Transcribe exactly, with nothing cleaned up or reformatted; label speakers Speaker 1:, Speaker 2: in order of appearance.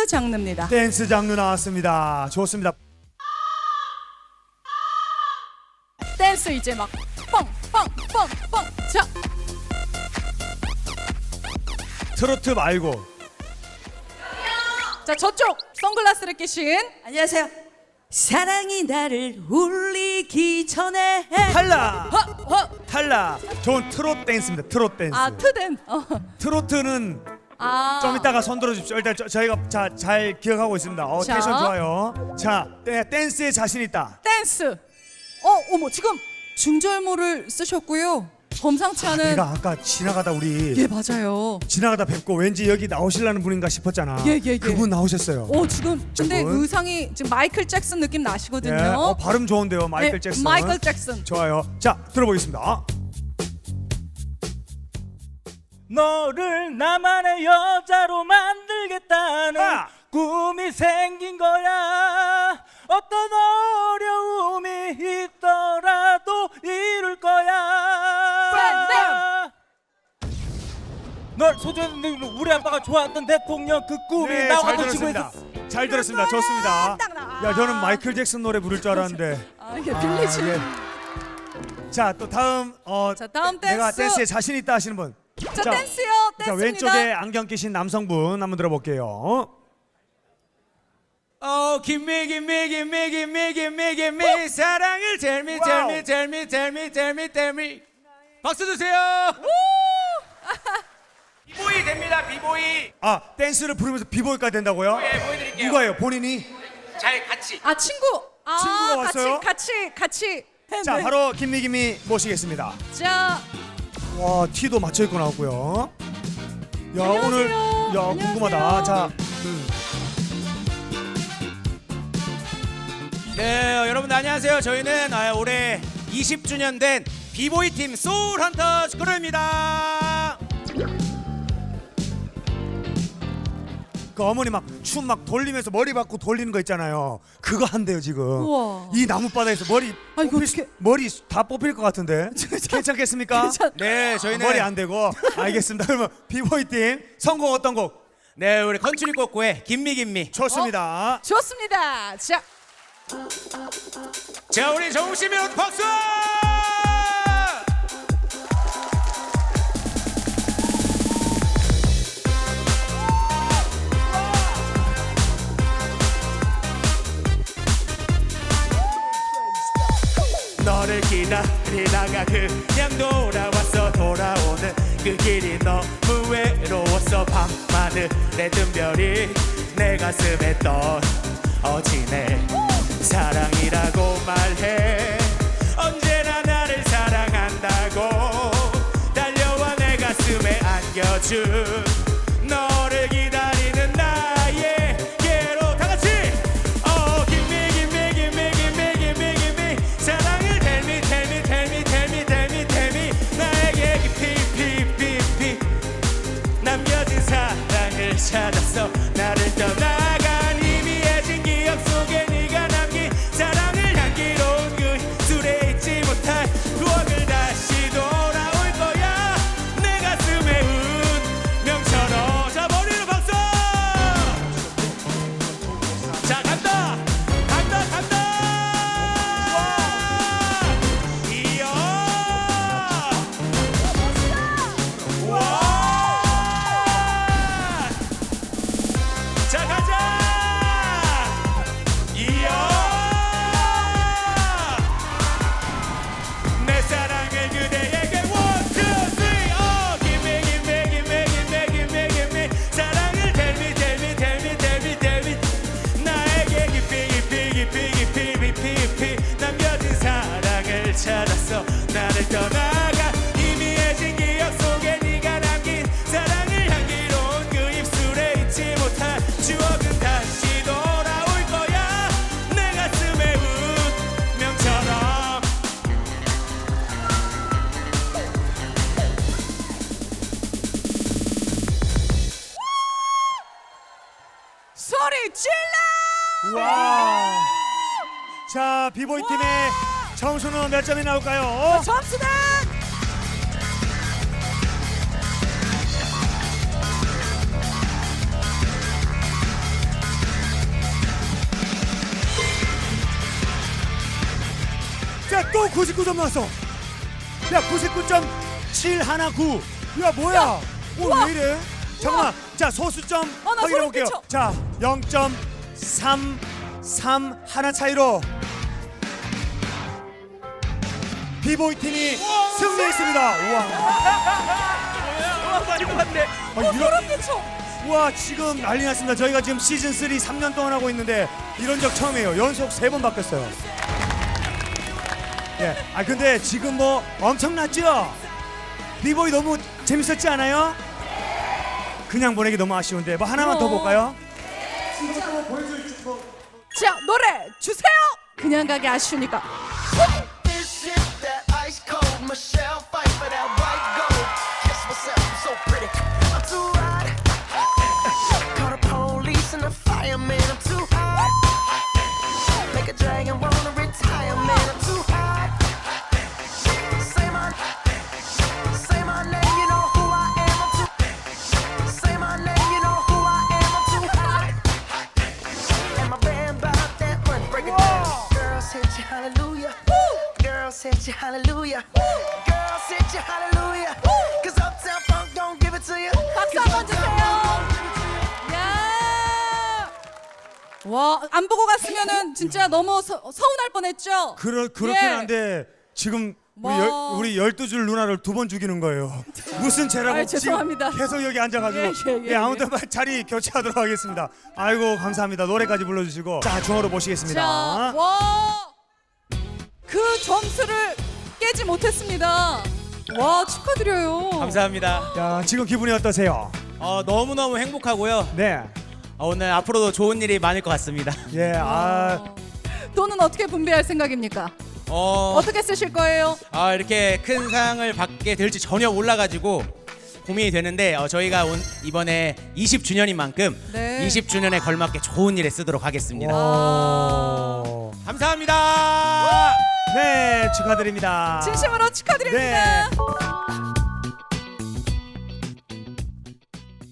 Speaker 1: 댄스 장르입니다.
Speaker 2: 댄스 장르 나왔습니다. 좋습니다.
Speaker 1: 댄스 이제 막 뻥뻥뻥뻥. 자,
Speaker 2: 트로트 말고
Speaker 1: 자 저쪽 선글라스를 끼신
Speaker 3: 안녕하세요. 사랑이 나를 울리기 전에
Speaker 2: 탈락!
Speaker 1: 허, 허.
Speaker 2: 탈락! 좋은 트롯 댄스입니다. 트롯 댄스.
Speaker 1: 아 트댄. 어.
Speaker 2: 트로트는
Speaker 1: 아.
Speaker 2: 좀 이따가 손 들어주십시오. 일단 저, 저희가 자, 잘 기억하고 있습니다. 어,
Speaker 1: 자.
Speaker 2: 텐션 좋아요. 자, 네, 댄스에 자신 있다.
Speaker 1: 댄스. 어, 어머 지금 중절모를 쓰셨고요. 범상치 않은.
Speaker 2: 내가 아까 지나가다 우리
Speaker 1: 예 맞아요.
Speaker 2: 지나가다 뵙고 왠지 여기 나오실라는 분인가 싶었잖아.
Speaker 1: 예, 예, 예.
Speaker 2: 그분 나오셨어요.
Speaker 1: 어 지금 근데
Speaker 2: 저분?
Speaker 1: 의상이 지금 마이클 잭슨 느낌 나시거든요.
Speaker 2: 예, 어, 발음 좋은데요, 마이클
Speaker 1: 네,
Speaker 2: 잭슨.
Speaker 1: 마이클 잭슨.
Speaker 2: 좋아요. 자, 들어보겠습니다.
Speaker 4: 너를 나만의 여자로 만들겠다는
Speaker 2: 아!
Speaker 4: 꿈이 생긴 거야. 어떤 어려움이 있더라도 이룰 거야. 널 소중한 우리 아빠가 좋아했던 대통령 그 꿈이
Speaker 2: 네,
Speaker 4: 나와
Speaker 2: 잘
Speaker 4: 놓치고
Speaker 2: 들었습니다.
Speaker 4: 있었어.
Speaker 2: 잘 들었습니다. 좋습니다.
Speaker 1: 딱 나와.
Speaker 2: 야, 저는 마이클 잭슨 노래 부를 줄 알았는데.
Speaker 1: 아 이게 빌리지.
Speaker 2: 아, 예. 자, 또 다음 어
Speaker 1: 자, 다음
Speaker 2: 내가
Speaker 1: 댄스.
Speaker 2: 댄스에 자신 있다 하시는 분.
Speaker 1: 자, 댄스요.
Speaker 2: 자,
Speaker 1: 댄스입니다.
Speaker 2: 왼쪽에 안경 끼신 남성분 한번 들어볼게요.
Speaker 4: 어 김미 김미 김미 김미 김미 김미 사랑을 tell me tell me
Speaker 2: 와우.
Speaker 4: tell me tell me tell me tell me 박수 주세요. 비보이 됩니다. 비보이.
Speaker 2: 아, 댄스를 부르면서 비보이까지 된다고요?
Speaker 4: 예, 보여드릴게요.
Speaker 2: 누가요? 본인이?
Speaker 4: 잘 같이.
Speaker 1: 아 친구. 아
Speaker 2: 친구가 왔어요?
Speaker 1: 같이 같이 같이.
Speaker 2: 자,
Speaker 1: 네.
Speaker 2: 바로 김미김이 모시겠습니다.
Speaker 1: 자
Speaker 2: 와, 티도 맞춰 입고 나왔고요. 야,
Speaker 1: 안녕하세요.
Speaker 2: 오늘 야,
Speaker 1: 안녕하세요.
Speaker 2: 궁금하다. 자, 음.
Speaker 4: 네, 여러분 안녕하세요. 저희는 아, 올해 이십 주년 된 비보이 팀 소울 헌터 스크루입니다.
Speaker 2: 그 어머니 막 춤 막 돌리면서 머리 받고 돌리는 거 있잖아요. 그거 한대요 지금.
Speaker 1: 우와.
Speaker 2: 이 나무 바닥에서 머리
Speaker 1: 아, 이거
Speaker 2: 뽑힐 수-
Speaker 1: 어떻게-
Speaker 2: 머리 다 뽑힐 것 같은데. 괜찮겠습니까?
Speaker 1: 괜찮-
Speaker 4: 네, 저희는
Speaker 2: 머리 안 되고. 알겠습니다. 그러면 비보이 팀 선곡 어떤 곡?
Speaker 4: 네, 우리 컨츄리 꼬꼬의 김미 김미.
Speaker 2: 좋습니다.
Speaker 1: 좋습니다. 자
Speaker 4: 자, 우리 정우 씨 몇 박수! 너를 기다리다가 그냥 돌아왔어. 돌아오는 그 길이 너무 외로웠어. 밤하늘에 뜬 별이 내 가슴에 떨어지네. 사랑이라고 말해. 언제나 나를 사랑한다고 달려와 내 가슴에 안겨준 너를 기다리는 나에게로 다 같이 어 김미 김미 김미 김미 김미 김미 사랑을 tell me tell me tell me tell me tell me tell me 나에게 깊이 깊이 깊이 남겨진 사랑을 찾았어. 나를 떠나간 희미해진 기억 속에 네가 남긴 사랑을 향기로운 그 술에 잊지 못할 추억을 다시 돌아올 거야. 내 가슴에 운명처럼. 자, 머리로 박수. 자, 간다 간다 간다. 이야 와. 자, 가자. 이야 내 사랑을 그대에게 one two three 어 김미 김미 김미 김미 김미 김미 사랑을 tell me tell me tell me tell me tell me 나에게 깊이 깊이 깊이 깊이 깊이 깊이 남겨진 사랑을 찾았어. 나를 떠나가 희미해진 기억 속에 네가 남긴 사랑을 향기로운 그 입술에 잊지 못할 추억은 다시 돌아올 거야. 내 가슴에 운명처럼.
Speaker 1: 소리 질러.
Speaker 2: 와. 자, 비보이 팀의 점수는 몇 점이 나올까요?
Speaker 1: 점수는
Speaker 2: 구십구 점 나왔어. 야, 구십구 점 칠십구. 야, 뭐야? 오,
Speaker 1: 우와.
Speaker 2: 왜 이래? 잠깐만. 자, 소수점
Speaker 1: 아, 나
Speaker 2: 확인해
Speaker 1: 소름
Speaker 2: 볼게요.
Speaker 1: 끼쳐.
Speaker 2: 자, 영 점 삼삼 하나 차이로 비보이 팀이 승리했습니다. 우와.
Speaker 4: 와 말도 안 돼.
Speaker 2: 아, 이런,
Speaker 1: 소름 끼쳐.
Speaker 2: 와, 지금 난리 났습니다. 저희가 지금 시즌 삼 삼 년 동안 하고 있는데 이런 적 처음이에요. 연속 세 번 바뀌었어요. 예. 아, 근데 지금 뭐 엄청났죠? 비보이 너무 재밌었지 않아요? 그냥 보내기 너무 아쉬운데 뭐 하나만 더
Speaker 1: 그럼.
Speaker 2: 볼까요?
Speaker 1: 자, 노래 주세요. 그냥 가기 아쉬우니까.
Speaker 5: This is that ice cold Michelle fight for that white gold. Kiss myself, I'm so pretty. I'm too hot. Call the police and the fireman. I'm too hot. Make a dragon wanna retire, man. I'm too hot. Say my, say my name, you know who I am. I'm too. Say my name, you know who I am. I'm too hot. And my band bought that one. Break it down. Girls hit you, hallelujah. Girls hit you, hallelujah. Girls hit you, hallelujah. Cause Uptown Funk don't give it to you.
Speaker 1: 박수 한번 주세요. 야. 와, 안 보고 갔으면은 진짜 너무 서, 서운할 뻔했죠.
Speaker 2: 그러, 그렇긴
Speaker 1: 예.
Speaker 2: 한데 지금 우리,
Speaker 1: 뭐.
Speaker 2: 열, 우리 열두 줄 누나를 두 번 죽이는 거예요. 무슨 죄라고
Speaker 1: 아이,
Speaker 2: 지금
Speaker 1: 죄송합니다.
Speaker 2: 계속 여기 앉아가지고
Speaker 1: 예, 예, 예,
Speaker 2: 아무튼 자리 교체하도록 하겠습니다. 아이고, 감사합니다. 노래까지 불러주시고 자, 중으로 모시겠습니다.
Speaker 1: 자, 와. 그 점수를 깨지 못했습니다. 와, 축하드려요.
Speaker 4: 감사합니다.
Speaker 2: 야, 지금 기분이 어떠세요?
Speaker 4: 어 너무 너무 행복하고요.
Speaker 2: 네.
Speaker 4: 어, 오늘 앞으로도 좋은 일이 많을 것 같습니다.
Speaker 2: 예, 아,
Speaker 1: 돈은 어떻게 분배할 생각입니까?
Speaker 4: 어,
Speaker 1: 어떻게 쓰실 거예요?
Speaker 4: 아, 이렇게 큰 상을 받게 될지 전혀 몰라가지고 고민이 되는데 어, 저희가 온, 이번에 이십 주년인 만큼
Speaker 1: 네.
Speaker 4: 이십 주년에 걸맞게 좋은 일에 쓰도록 하겠습니다.
Speaker 2: 오.
Speaker 4: 감사합니다.
Speaker 2: 네, 축하드립니다.
Speaker 1: 진심으로 축하드립니다.
Speaker 2: 네.